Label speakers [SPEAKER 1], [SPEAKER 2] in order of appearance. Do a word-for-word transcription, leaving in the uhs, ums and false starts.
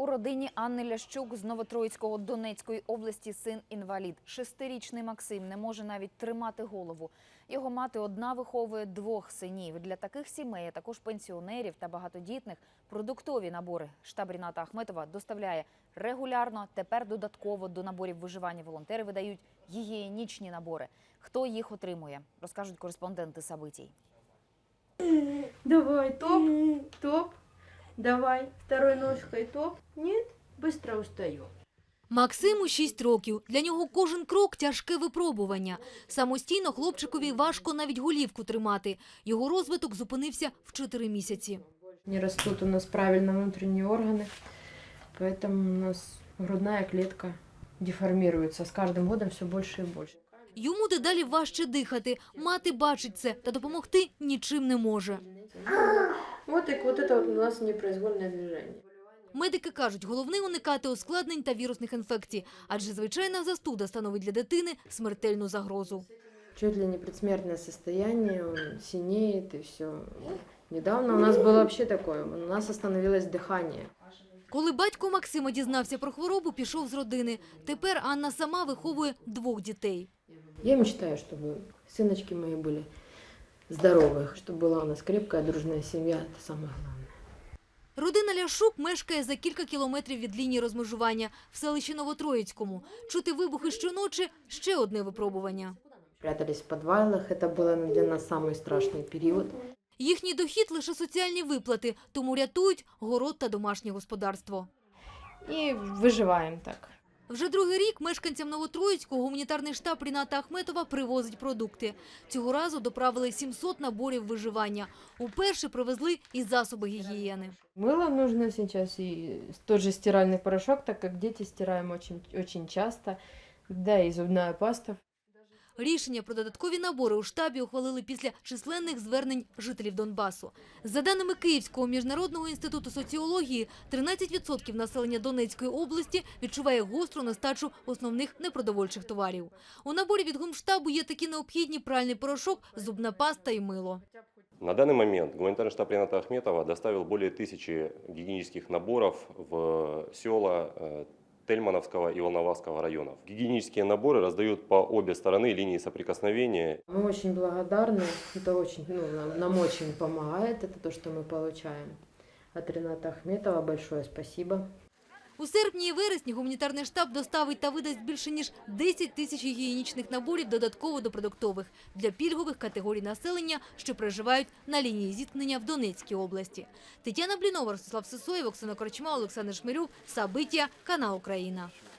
[SPEAKER 1] У родині Анни Лящук з Новотроїцького Донецької області син інвалід. Шестирічний Максим не може навіть тримати голову. Його мати одна виховує двох синів. Для таких сімей, а також пенсіонерів та багатодітних, продуктові набори штаб Ріната Ахметова доставляє регулярно. Тепер додатково до наборів виживання волонтери видають гігієнічні набори. Хто їх отримує, розкажуть кореспонденти Сабитій.
[SPEAKER 2] Давай, топ, топ. Давай, второй ножкой топ. Нет, быстро устаю.
[SPEAKER 3] Максиму шість років. Для нього кожен крок – тяжке випробування. Самостійно хлопчикові важко навіть голівку тримати. Його розвиток зупинився в чотири місяці.
[SPEAKER 2] Не растут у нас правильно внутренние органы, поэтому у нас грудная клетка деформируется. С каждым годом все больше и больше.
[SPEAKER 3] Йому дедалі важче дихати. Мати бачить це та допомогти нічим не може.
[SPEAKER 2] Вот и вот это вот у нас непроизвольное движение.
[SPEAKER 3] Медики кажуть, головне уникати ускладнень та вірусних інфекцій, адже звичайна застуда становить для дитини смертельну загрозу.
[SPEAKER 2] Чуть ли не предсмертное состояние, он синеет и все. Недавно у нас было вообще такое, у нас остановилось дыхание.
[SPEAKER 3] Коли батько Максима дізнався про хворобу, пішов з родини. Тепер Анна сама виховує двох дітей.
[SPEAKER 2] Я мечтаю, чтобы сыночки мои были здоровы, чтобы была у нас крепкая, дружная семья, это самое главное.
[SPEAKER 3] Родина Ляшук мешкає за кілька кілометрів від лінії розмежування в селищі Новотроїцькому. Чути вибухи щоночі – ще одне випробування.
[SPEAKER 2] Прятались в подвалах, это был для нас самый страшный период.
[SPEAKER 3] Їхній дохід – лише соціальні виплати, тому рятують город та домашнє господарство.
[SPEAKER 2] И выживаем так.
[SPEAKER 3] Вже другий рік мешканцям Новотроїцького гуманітарний штаб Ріната Ахметова привозить продукти. Цього разу доправили сімсот наборів виживання. Уперше привезли і засоби гігієни.
[SPEAKER 2] Мыло нужно сейчас и тот же стиральный порошок, так как дети стираем очень, очень часто, да и зубная паста.
[SPEAKER 3] Рішення про додаткові набори у штабі ухвалили після численних звернень жителів Донбасу. За даними Київського міжнародного інституту соціології, тринадцять відсотків населення Донецької області відчуває гостру нестачу основних непродовольчих товарів. У наборі від гумштабу є такі необхідні пральний порошок, зубна паста і мило.
[SPEAKER 4] На данный момент гуманитарный штаб Рината Ахметова доставил более тысячи гигиенических наборов в села Тельмановского и Волноваского районов. Гигиенические наборы раздают по обе стороны линии соприкосновения.
[SPEAKER 2] Мы очень благодарны, это очень, ну, нам, нам очень помогает, это то, что мы получаем от Рината Ахметова. Большое спасибо.
[SPEAKER 3] У серпні і вересні гуманітарний штаб доставить та видасть більше ніж десять тисяч гігієнічних наборів додатково до продуктових для пільгових категорій населення, що проживають на лінії зіткнення в Донецькій області. Тетяна Блінова, Ростислав Сисоєв, Оксана Корчма, Олександр Шмирюк, Сабиття, канал Україна.